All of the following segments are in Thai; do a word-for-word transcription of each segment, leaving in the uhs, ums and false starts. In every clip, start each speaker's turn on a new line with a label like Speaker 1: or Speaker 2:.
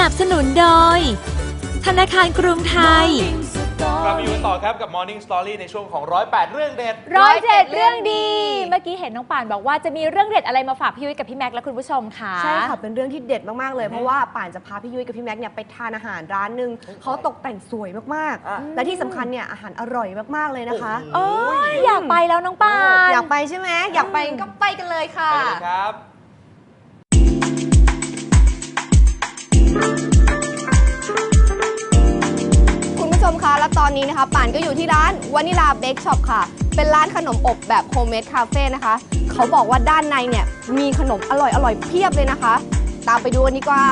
Speaker 1: นับสนุนโดยธนาคารกรุงไทย
Speaker 2: กลับมาอยู่ต่อครับกับ Morning Story ในช่วงของร้อยแปดเรื่องเด็ด
Speaker 3: ร้อยเจ็ดเรื่องดีเมื่อกี้เห็นน้องป่านบอกว่าจะมีเรื่องเด็ดอะไรมาฝากพี่ยุ้ยกับพี่แม็กและคุณผู้ชมค่ะ
Speaker 4: ใช่ค่ะเป็นเรื่องที่เด็ดมากๆเลยเพราะว่าป่านจะพาพี่ยุ้ยกับพี่แม็กเนี่ยไปทานอาหารร้านหนึ่งเขาตกแต่งสวยมากๆและที่สำคัญเนี่ยอาหารอร่อยมากๆเลยนะคะ
Speaker 3: โอ้ยอยากไปแล้วน้องป่าน
Speaker 4: อยากไปใช่ไหมอยากไปก็ไปกันเลยค่ะ
Speaker 2: ไปเลยครับ
Speaker 4: คุณผู้ชมคะและตอนนี้นะคะป่านก็อยู่ที่ร้านวานิลาเบคช็อปค่ะเป็นร้านขนมอบแบบโฮมเมดคาเฟ่นะคะเขาบอกว่าด้านในเนี่ยมีขนมอร่อยอร่อยเพียบเลยนะคะตามไปดูกันดีกว่า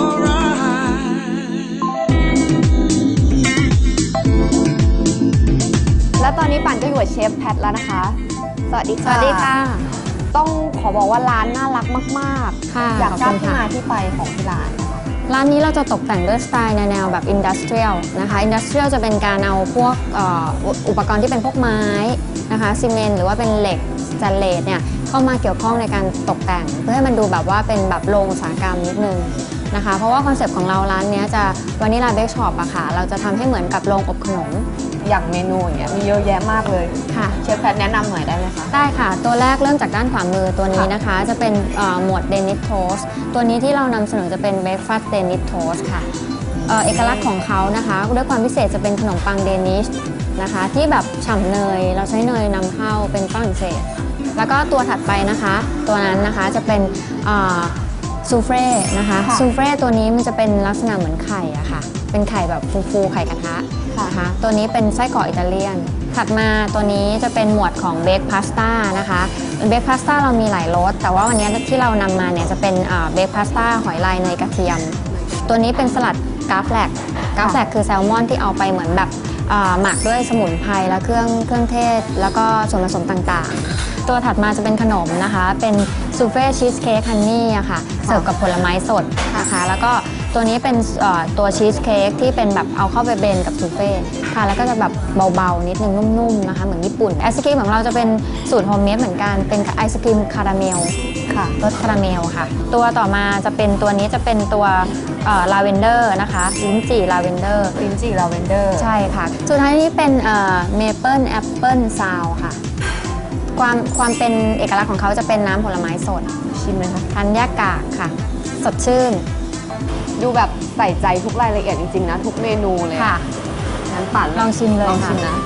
Speaker 4: และตอนนี้ป่านก็อยู่กับเชฟแพทแล้วนะคะสวัสดีค่ะ
Speaker 3: สวัสดีค่ะ
Speaker 4: ต้องขอบอกว่าร้านน่ารักมากๆ
Speaker 3: ค่ะ
Speaker 4: อยากทราบที่มาที่ไปของที่ร้าน
Speaker 3: ร้านนี้เราจะตกแต่งด้วยสไตล์ในแนวแบบอินดัสเทรียลนะคะอินดัสเทรียลจะเป็นการเอาพวกอุปกรณ์ที่เป็นพวกไม้นะคะซีเมนต์หรือว่าเป็นเหล็กสแตนเลสเนี่ยเข้ามาเกี่ยวข้องในการตกแต่งเพื่อให้มันดูแบบว่าเป็นแบบโรงอุตสาหกรรมนิดนึงนะคะเพราะว่าคอนเซปต์ของเราร้านนี้จะวานิลาเบคช็อปอะค่ะเราจะทำให้เหมือนกับโรงอบขนม
Speaker 4: อย่างเมนูอย่างเงี้ยมีเยอะแยะมากเลย
Speaker 3: ค่ะ
Speaker 4: เชฟแพทแนะนำหน่อยได้ไหมคะ
Speaker 3: ได้ค่ะตัวแรกเริ่มจากด้านขวามือตัวนี้นะคะจะเป็นหมวดเดนิสโทสตัวนี้ที่เรานำเสนอจะเป็นเบรคฟาสต์เดนิสโทสค่ะเอกลักษณ์ของเขานะคะด้วยความพิเศษจะเป็นขนมปังเดนิชนะคะที่แบบฉ่ำเนยเราใช้เนยนำเข้าเป็นฝรั่งเศสแล้วก็ตัวถัดไปนะคะตัวนั้นนะคะจะเป็นซูเฟ่นะคะซูเฟ่ตัวนี้มันจะเป็นลักษณะเหมือนไข่อะค่ะเป็นไข่แบบฟูๆไข่กระทะนะคะตัวนี้เป็นไส้กรอกอิตาเลียนถัดมาตัวนี้จะเป็นหมวดของเบคพาสต้านะคะเบคพาสต้าเรามีหลายรสแต่ว่าวันนี้ที่เรานำมาเนี่ยจะเป็นเบคพาสต้าหอยลายเนยกระเทียมตัวนี้เป็นสลัดกราฟแลกกราฟแลกคือแซลมอนที่เอาไปเหมือนแบบหมักด้วยสมุนไพรและเครื่องเครื่องเทศแล้วก็ส่วนผสมต่างๆตัวถัดมาจะเป็นขนมนะคะเป็นซูเฟ่ชีสเค้กฮันนี่อะค่ะเสิร์ฟกับผลไม้สดนะคะแล้วก็ตัวนี้เป็นตัวชีสเค้กที่เป็นแบบเอาเข้าไปเบนกับซูเฟ่ค่ะแล้วก็จะแบบเบาๆนิดนึงนุ่มๆนะคะเหมือนญี่ปุ่นไอศครีมของเราจะเป็นสูตรโฮมเมดเหมือนกันเป็นไอศครีมคาราเมลค่ะรสคาราเมลค่ะตัวต่อมาจะเป็นตัวนี้จะเป็นตัวลาเวนเดอร์นะคะลิ้นจี่ลาเวนเดอร์
Speaker 4: ลิ้นจี่ลาเวนเดอร์
Speaker 3: ใช่ค่ะสุดท้ายนี้เป็นเมเปิลแอปเปิลซาวค่ะความความเป็นเอกลักษณ์ของเขาจะเป็นน้ำผลไม้สด
Speaker 4: ชิมไหมคะ
Speaker 3: ทันยากากค่ะสดชื่น
Speaker 4: ดูแบบใส่ใจทุกรายละเอียดจริงๆนะทุกเมนูเลย
Speaker 3: ค่ะ
Speaker 4: งั้นปั่น
Speaker 3: ลองชิมเลย
Speaker 4: ลองชิมนะ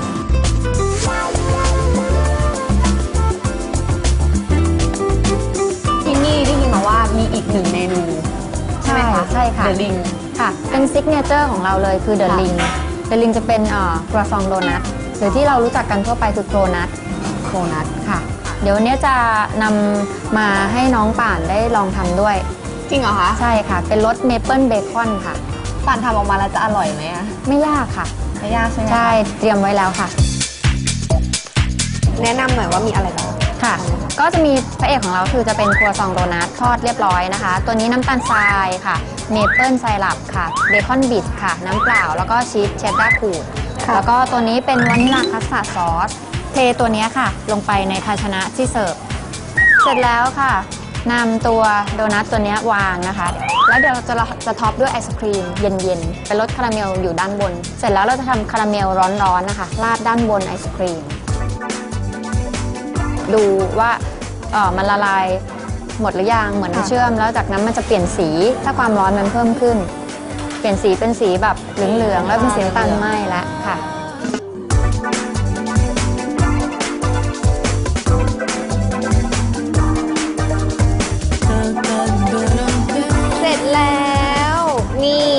Speaker 4: ที่นี่ได้ยินมาว่ามีอีกหนึ่งเมนูใช่ไหมคะ
Speaker 3: ใช่ค่ะ
Speaker 4: The Ring
Speaker 3: ค่ะเป็นซิกเนเจอร์ของเราเลยคือ The Ring The Ring จะเป็นครัวซองโดนัทหรือที่เรารู้จักกันทั่วไปคือโครนัท
Speaker 4: โครนัท
Speaker 3: ค่ะเดี๋ยววันนี้จะนำมาให้น้องป่านได้ลองทำด้วย
Speaker 4: จริงเหรอคะ
Speaker 3: ใช่ค่ะเป็นรสเมเปิลเบคอนค่ะ
Speaker 4: ป่านทำออกมาแล้วจะอร่อยไหมอะ
Speaker 3: ไม่ยากค่ะ
Speaker 4: ไม่ยากใช่ไหม
Speaker 3: ใช่เตรียมไว้แล้วค่ะ
Speaker 4: แนะนำหน่อยว่ามีอะไรบ้าง
Speaker 3: ค่ะก็จะมีพระเอกของเราคือจะเป็นครัวซองโดนัททอดเรียบร้อยนะคะตัวนี้น้ำตาลทรายค่ะเมเปิลไซรัปค่ะเบคอนบิทค่ะน้ำเปล่าแล้วก็ชีสเชดดาร์ขูดแล้วก็ตัวนี้เป็นวานิลลาคัสตาร์ดซอสเทตัวนี้ค่ะลงไปในภาชนะที่เสิร์ฟเสร็จแล้วค่ะนำตัวโดนัทตัวนี้วางนะคะแล้วเดี๋ยวเราจะจะท็อปด้วยไอศครีมเย็นๆเป็นรสคาราเมลอยู่ด้านบนเสร็จแล้วเราจะทำคาราเมลร้อนๆนะคะราดด้านบนไอศครีมดูว่าเออมันละลายหมดหรือยังเหมือนน้ำเชื่อมแล้วจากนั้นมันจะเปลี่ยนสีถ้าความร้อนมันเพิ่มขึ้นเปลี่ยนสีเป็นสีแบบเหลืองๆแล้วเป็นสีน้ำตาลไหม้แล้วค่ะ
Speaker 4: เสร็จแล้วนี่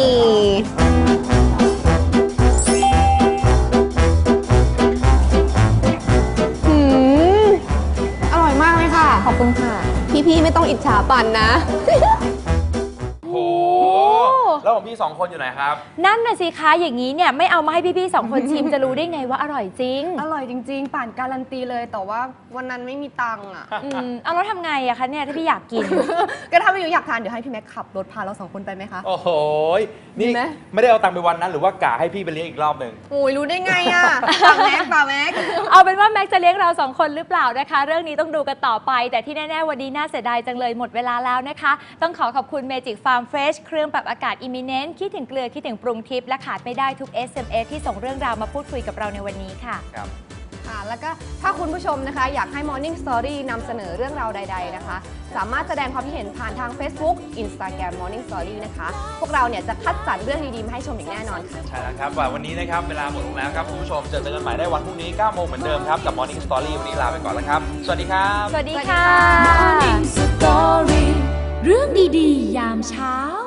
Speaker 3: ขอบคุณค่ะ
Speaker 4: พี่ๆไม่ต้องอิจฉาปั่นนะ
Speaker 2: โอ้แล้วของพี่สองคนอยู่ไหนครับ
Speaker 3: นั่นน่ะสิคะอย่างนี้เนี่ยไม่เอามาให้พี่ๆสองคนชิมจะรู้ได้ไงว่าอร่อยจริง
Speaker 4: อร่อยจริงๆป่านการันตีเลยแต่ว่าวันนั้นไม่มีตังค์อ่ะ
Speaker 3: อืมเอาแล้วทำไงอะคะเนี่ยถ้าพี่อยากกิน
Speaker 4: ก็ถ้าพี่อยากทานเดี๋ยวให้พี่แม็กขับรถพาเราสองคนไปไหมคะ
Speaker 2: โอ้โหนี่ไม่ได้เอาตังค์ไปวันนั้นหรือว่ากะให้พี่ไปเลี้ยงอีกรอบหนึ่ง
Speaker 4: โอ้ยรู้ได้ไงอะป่าแม็กป่าแม็ก
Speaker 3: เอาเป็นว่าแม็กจะเลี้ยงเราสองคนหรือเปล่านะคะเรื่องนี้ต้องดูกันต่อไปแต่ที่แน่ๆวันนี้น่าเสียดายจังเลยหมดเวลาแล้วนะคะต้องขอขอบคุณ Magic Farm Fresh เครื่องปรับอากาศ Imi
Speaker 1: มีเน้นคิดถึงเกลือคิดถึงปรุงทิพย์และขาดไม่ได้ทุก เอส เอ็ม เอส ที่ส่งเรื่องราวมาพูดคุยกับเราในวันนี้ค่ะ
Speaker 2: ครับ
Speaker 4: ค่ะแล้วก็ถ้าคุณผู้ชมนะคะอยากให้ Morning Story นำเสนอเรื่องราวใดๆนะคะสามารถแสดงความคิดเห็นผ่านทาง Facebook Instagram Morning Story นะคะพวกเราเนี่ยจะคัดสรรเรื่องดีๆมาให้ชมอย่างแน่นอนค่ะ
Speaker 2: ใช่แล้วครับวันนี้นะครับเวลาหมดลงแล้วครับคุณผู้ชมเจอกันใหม่ได้วันพรุ่งนี้เก้าโมงเหมือนเดิมครับกับ Morning Story วันนี้ลาไปก่อนแล้วครับสวัสดีครับ
Speaker 1: สวัสดีค่ะ
Speaker 5: Morning Story เรื่องดีๆ ยามเช้า